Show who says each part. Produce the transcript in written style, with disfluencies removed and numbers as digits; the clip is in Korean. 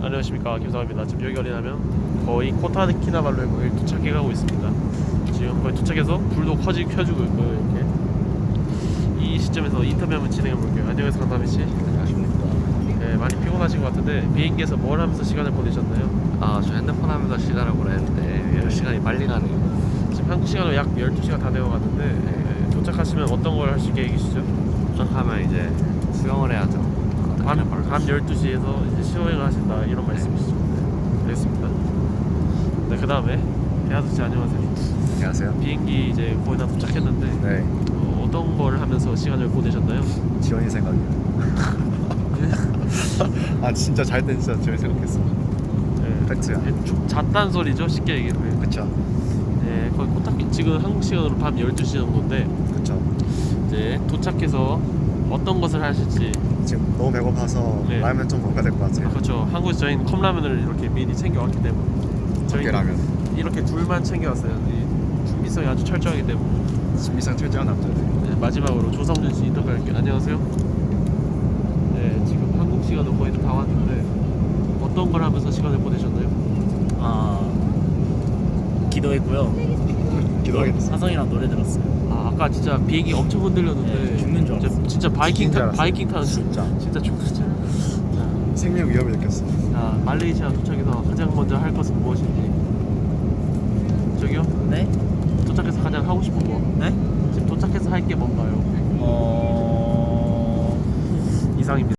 Speaker 1: 안녕하십니까, 김성환입니다. 지금 여기 어디냐면 거의 코타키나발루에 도착해가고 있습니다. 지금 거의 도착해서 불도 켜주고 있고요. 이렇게 이 시점에서 인터뷰 한번 진행해볼게요. 안녕하세요, 강다미씨.
Speaker 2: 안녕하십니까.
Speaker 1: 네, 많이 피곤하신 것 같은데 비행기에서 뭘 하면서 시간을 보내셨나요?
Speaker 2: 저 핸드폰 하면서 시간을 보냈는데 시간이 빨리 가네요.
Speaker 1: 지금 한국 시간으로 약 12시가 다 되어가는데 네, 도착하시면 어떤 걸 하실 계획이시죠?
Speaker 2: 도착하면 이제 수영을 해야죠.
Speaker 1: 밤 12시에서 이제 수영을 하신다 이런 말씀이시죠? 네, 알겠습니다. 네, 그 다음에 대하수씨 안녕하세요.
Speaker 2: 안녕하세요.
Speaker 1: 비행기 이제 거의 다 도착했는데
Speaker 2: 네,
Speaker 1: 어떤 걸 하면서 시간을 보내셨나요?
Speaker 2: 지원이 생각이요. 진짜 잘 때 진짜 지원이 생각했어.
Speaker 1: 네,
Speaker 2: 팩트야.
Speaker 1: 잣단 소리죠, 쉽게 얘기하면.
Speaker 2: 그쵸.
Speaker 1: 네, 거의 코타키 지금 한국 시간으로 밤 12시 정도인데
Speaker 2: 그쵸.
Speaker 1: 이제 도착해서 어떤 것을 하실지.
Speaker 2: 지금 너무 배고파서
Speaker 1: 네.
Speaker 2: 라면 좀 먹어야 될 것 같아요.
Speaker 1: 그렇죠. 한국에서 저희는 컵라면을 이렇게 미리 챙겨왔기 때문에 저희는
Speaker 2: 라면.
Speaker 1: 이렇게 둘만 챙겨왔어요. 이 준비성이 아주 철저하기 때문에.
Speaker 2: 준비상 철저한 남자들.
Speaker 1: 네, 마지막으로 조성준 씨 인터뷰할게요. 안녕하세요. 네, 지금 한국 시간으로 거의 다 왔는데 어떤 걸 하면서 시간을 보내셨나요?
Speaker 3: 기도했고요.
Speaker 2: 기도하겠습니다.
Speaker 3: 사성이랑 노래 들었어요.
Speaker 1: 아까 진짜 비행기 엄청 흔들렸는데
Speaker 3: 네, 죽는 줄 알았어요.
Speaker 1: 진짜
Speaker 2: 죽는 줄 알았어요.
Speaker 1: 바이킹 타는
Speaker 2: 진짜.
Speaker 1: 진짜 죽었죠.
Speaker 2: 생명 위협을 느꼈어.
Speaker 1: 자, 말레이시아 도착해서 가장 먼저 할 것은 무엇인지. 저기요?
Speaker 3: 네?
Speaker 1: 도착해서 가장 하고 싶은 거.
Speaker 3: 네?
Speaker 1: 지금 도착해서 할 게 뭔가요? 이상입니다.